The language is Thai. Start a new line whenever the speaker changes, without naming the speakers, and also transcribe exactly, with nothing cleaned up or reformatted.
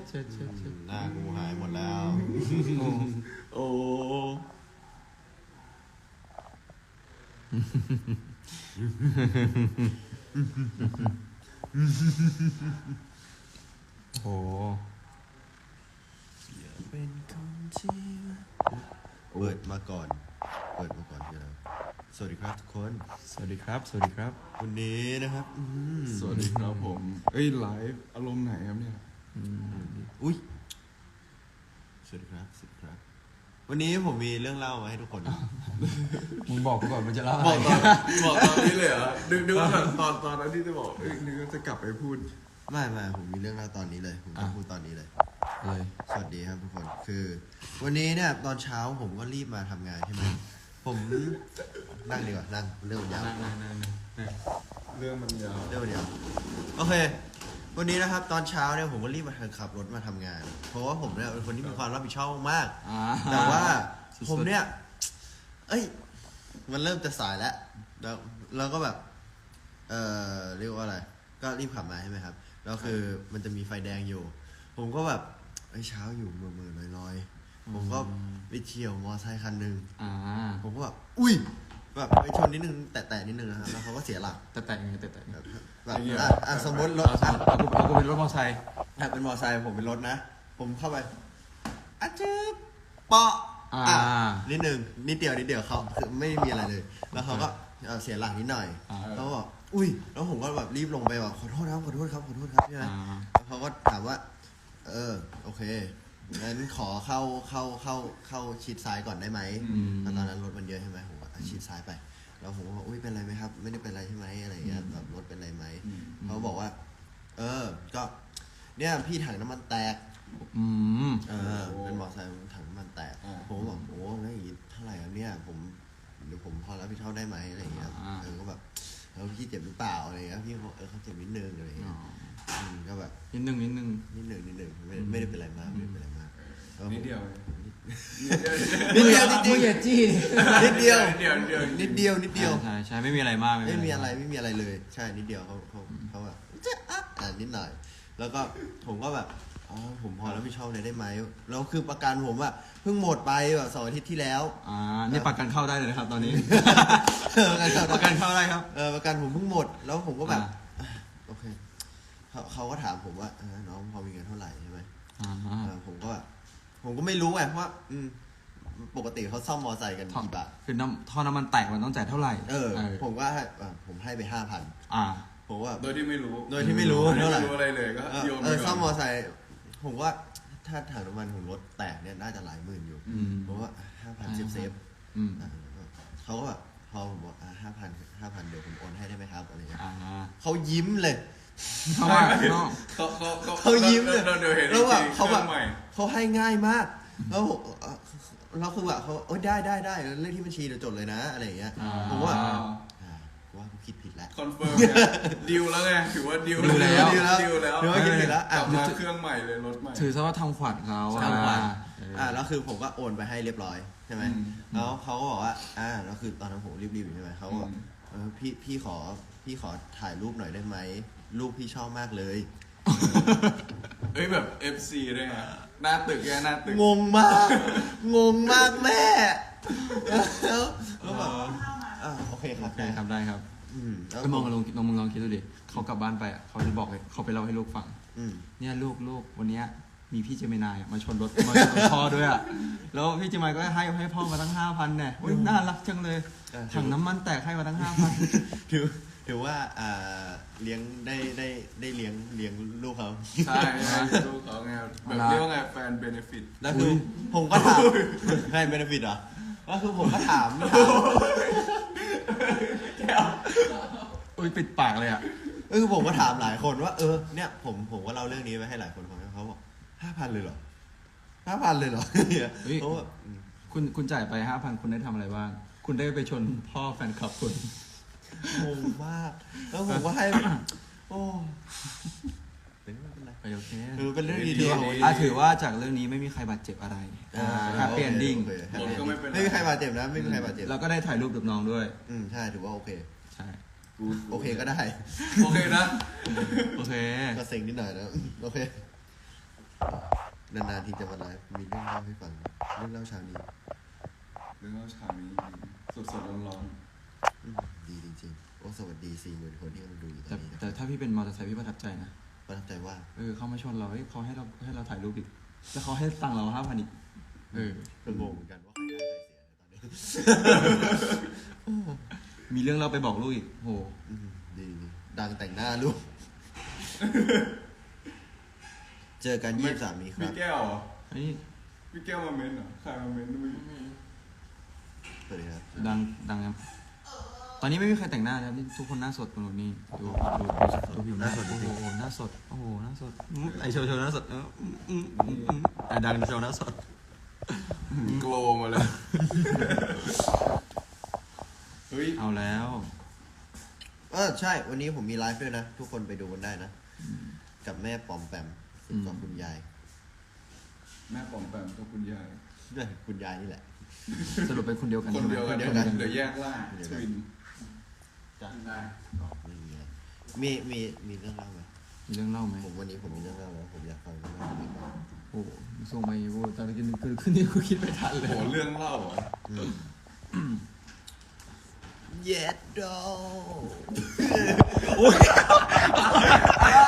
เช็ดเช็ดเช็ด
หน้ากูหายหมดแล้วโอ้
โอ้
เป็นคนที่เปิดมาก่อนเปิดมาก่อนคืออะไรสวัสดีครับทุกคน
สวัสดีครับสวัสดีครับ
วันนี้นะครับ
สวัสดีครับผมเอ้ยไลฟ์อารมณ์ไหนครับเนี่ย
อุ้ยสวัสดีครับสวัสดีครับวันนี้ผมมีเรื่องเล่ามาให้ทุกคน
มึงบอกกูก่อนมันจะเล่า
อะไรบอกตอนบอกตอนนี้เลยเหรอ
ดึกดึกตอนตอนนั้นที่จะบอกเอ้ยนึกว่าจะกลับไปพูด
ไม่ไม่ผมมีเรื่องเล่าตอนนี้เลยผมจะพูดตอนนี้เลย
เลย
สวัสดีครับทุกคนคือวันนี้เนี่ยตอนเช้าผมก็รีบมาทำงานใช่ไหมผมนั่งดีกว่านั่งเรื่องมันยาว
นั่งนั่งนั่งเรื่องมันยาว
เรื่องมันยาวโอเควันนี้นะครับตอนเช้าเนี่ยผมก็รีบมาขับรถมาทำงานเพราะว่าผมเนี่ยเป็นคนที่มีความรับผิดชอบมากแต่ว่าผมเนี่ยเอ้ยมันเริ่มจะสายแล้วแล้วแล้วก็แบบเออเรียกว่าอะไรก็รีบขับมาใช่ไหมครับแล้วคือมันจะมีไฟแดงอยู่ผมก็แบบไอ้เช้าอยู่เมื่อเมื่อลอยๆผมก็ไปเที่ยวมอไซค์คันหนึ่งผมก็แบบอุ้ยแบบไปชนนิดนึงแตะๆนิดนึงนะครับแล้วเขาก็เสียหลัก
แตะๆยังไงแตะๆ
แบบอ่ะสมมติรถ
อ่ะกูกูเป็นรถมอไซค์
อ่ะเป็นมอไซค์ผมเป็นรถนะผมเข้าไปอ่ะจึ๊บเปาะอ่ะนิดนึงนิดเดียวนิดเดียวเขาคือไม่มีอะไรเลยแล้วเขาก็เสียหลักนิดหน่อยเขาบอกอุ้ยแล้วผมก็แบบรีบลงไปแบบขอโทษครับขอโทษครับขอโทษครับใช่ไหมแล้วเขาก็ถามว่าเออโอเคงั้นขอเข้าเข้าเข้าเข้าชิดซ้ายก่อนได้ไหมตอนนั้นรถมันเยอะใช่ไหมผมก็ชิดซ้ายไปแล้วผมก็บอกอุ้ยเป็นไรไหมครับไม่ได้เป็นไรใช่ไหมอะไรเงี้ยแบบรถเป็นไรไหมเขาบอกว่าเออก็เนี่ยพี่ถังน้ำมันแตก
อืม
เออเป็นมอเตอร์ไซค์ถังน้ำมันแตกผมก็บอกโอ้งั้นอย่างงี้เท่าไหร่ครับเนี่ยผมเดี๋ยวผมพอรับผิดชอบได้ไหมอะไรเงี้ยเออก็แบบเออพี่เจ็บหรือเปล่าอะไรเงี้ยพี่เขาเออเขาเจ็บนิดนึงอะไรเงี้ยก็แบบ
นิดนึงนิดนึง
นิดนึงนิดนึงไม่ไม่ได้เป็นไรมากไม่ได้เป็นไรมาก
นิดเดียว
นิดเดียวจริง
ๆอย่าจี้
นิดเดียว
นิด
เดียวนิดเดียว
ใช่ใช่ไม่มีอะไรมาก
ไม่มีอะไรไม่มีอะไรเลยใช่นิดเดียวเขาเขาเขาแบบจะอ่ะนิดหน่อยแล้วก็ผมก็แบบอ๋อผมพอรับผิดชอบเลยได้ไหมแล้วคือประกันผมอะเพิ่งหมดไปแบบสองอาทิตย์ที่แล้ว
อ่านี่ประกันเข้าได้เลยนะครับตอนนี้
ประกันเข้า
ประกันเข้าได้ครับ
เออประกันผมเพิ่งหมดแล้วผมก็แบบโอเคเขาเขาก็ถามผมว่าน้องพอมีเงินเท่าไหร่ใช่ไหมผมก็ผมก็ไม่รู้ไงเพราะว่าปกติเขาซ่อมมอไซค์กันกี่บาท
คือน้ำท่อน้ำมันแตกมันต้องจ่ายเท่าไหร่
เออผมก็ให้ผมให้ไปห้าพัน
อ่า
ผมว่า
โดยที่ไม่รู้
โดยที่ไม่รู้เท่าไหร่
อะไรเลยก็โยน
เออซ่อมมอไซค์ผมว่าถ้าถังน้ำมันของรถแตกเนี่ยน่าจะหลายหมื่นอยู่เพราะว่าห้าพันเซฟเซฟเขาก็แบบพอผมบอกห้าพันห้าพันเดี๋ยวผมโอนให้ได้ไหมครับอะไรเงี้ยเขายิ้มเลย
เพราะว่า
เขาเขาเขายิ้มเลยแล้วแบบเขาแบบเขาให้ง่ายมากแล้วเราคือแบบเขาโอ้ได้ได้ได้เลขที่บัญชีเดี๋ยวจดเลยนะอะไรอย่างเงี้ยผมว่าว่ากูคิดผิดแล้ว
คอนเฟิร์มดิวแล้วไงถือว่าดิว
แล้ว
ดิวแล้วดิวแล้วถือว่าคิดผิดแล้ว
กลับมาเครื่องใหม่เลยรถใหม่
ถือซะว่าทำขวัญเขา
ทำขวัญอ่าแล้วคือผมก็โอนไปให้เรียบร้อยใช่ไหมแล้วเขาก็บอกว่าอ่าแล้วคือตอนนั้นผมรีบๆอยู่ใช่ไหมเขาบอกเออพี่พี่ขอพี่ขอถ่ายรูปหน่อยได้ไหมรูปพี่ชอบมากเลย
เอ้ยแบบ เอฟ ซี ด้วยไงหน้าตึกแกหน้าตึก
งงมากงงมากแม่แล้วแล้วแบบอ่าโอเคครับ
ได้ครับได้ครับก็มองลองลองมึงลองคิดดูดิเขากลับบ้านไปอ่ะเขาจะบอกเลยเขาไปเล่าให้ลูกฟังเนี่ยลูกลูกวันนี้มีพี่เจมินายมาชนรถมาชนพ่อด้วยอ่ะแล้วพี่เจมินายก็ให้ให้พ่อมาตั้งห้าพันเนี่ยน่ารักจังเลยถังน้ำมันแตกให้มาตั้งห้าพัน
ถือถือว่าอ่าเลี้ยงได้ได้ได้เลี้ยงเลี้ยงลูกเขา
ใช่ลูกเขาไงแบบเรียกว่าไงแฟนเบเนฟิต
แล้วคือผมก็ถามแฟนเบเนฟิตเหรอแล้วคือผมก็ถาม
อุ้ยปิดปากเลยอ่ะ
เออผมก็ถามหลายคนว่าเออเนี่ยผมผมก็เล่าเรื่องนี้ไปให้หลายคนฟังเขาบอกห้าพันเลยเหรอห้าพันเลยเหรอเพราะว่า
คุณคุณจ่ายไปห้าพันคุณได้ทำอะไรบ้างคุณได้ไปชนพ่อแฟนคลับคุณ
งงมากแล้วผมก็ให้โอ้เป็นไร
โอเค
คือเป็นเรื่องดี
ๆอ่ะถือว่าจากเรื่องนี้ไม่มีใครบาดเจ็บอะไรแฮปปี้เอนดิ้ง
ไม่มีใครบาดเจ็บนะไม่มีใครบาดเจ็บ
แล้วก็ได้ถ่ายรูปกับน้องด้วย
อืมใช่ถือว่าโอเค
ใช่
โอเคก็ได้
โอเคนะ
โอเค
ก็เซ็งนิดหน่อยนะโอเคนานๆทีจะมาไลฟ์มีเรื่องเล่าให้ฟังเรื่องเล่าเช้านี้
เรื่องเล่าเช้านี้สดสดร้อนร้อน
อืมดีจริงๆโอ้สวัสดีสี่หมื่นคนที่กำลังดูอยู่ตอ
แต่
นนี้นะ
แต่ถ้าพี่เป็นมอเตอร์ไซค์พี่ประทับใจนะ
ประทับใจว่า
เออเขามาชนเราเฮ้ยเขาให้เราให้เราถ่ายรูปอีกแล้วเขาให้ตังค์เราห้าพันอีกเออ
ก็งงเหมือนกันว่าใครได้ใครเสียในตอนนี้
มีเรื่องเราไปบอกลูกอีกโห
อืมดีดีดังแต่งหน้าลูก เจอกันยี่สิบสามนี้ค
มี
รับ
แก้วเหรอ
เฮ้ย
มีแก้วมาเม้นเหรอใครมาเม้นไม่รู้
สวัสดีครับ
ดังดังยังตอนนี้ไม่มีใครแต่งหน้าแล้วนี่ทุกคนหน้าสดกันหมดนี่ดูดูดูผิวหน้าสดโอ้โหหน้าสดโอ้โหหน้าสดอืมไอโชว์โชว์หน้าสดเอออืมอืมอืมอืมอ่ะดังโชว์หน้าสด
โกลว์มาเลยเฮ้ย
เอาแล้ว
เออใช่ วันนี้ผมมีไลฟ์ด้วยนะ ทุกคนไปดูกันได้นะ กับแม่ปอมแปมกับคุณยาย
แม่ปอมแปมกับคุณยาย
เนี่ยคุณยายนี่แหละ
สรุปเป็นคนเดียวกัน
คนเดียวกัน
คนเดียวกัน
เดี๋ยวแยกล่างทวิน
จ้ะ
ได้
ไม่มีอะไรมีมีมีเรื่องเล่าไหม
มีเรื่องเล่าไหม
ผมวันนี้ผมมีเรื่องเล่าแล้วผมอยากฟังเรื่องเล่านี้ก่อน
โอ้โหส่งไปโอ้ตอนนี้คือขึ้นนี่กูคิดไม่ทันเลย
โหเรื่องเล่าเหรอ
เย็ดโด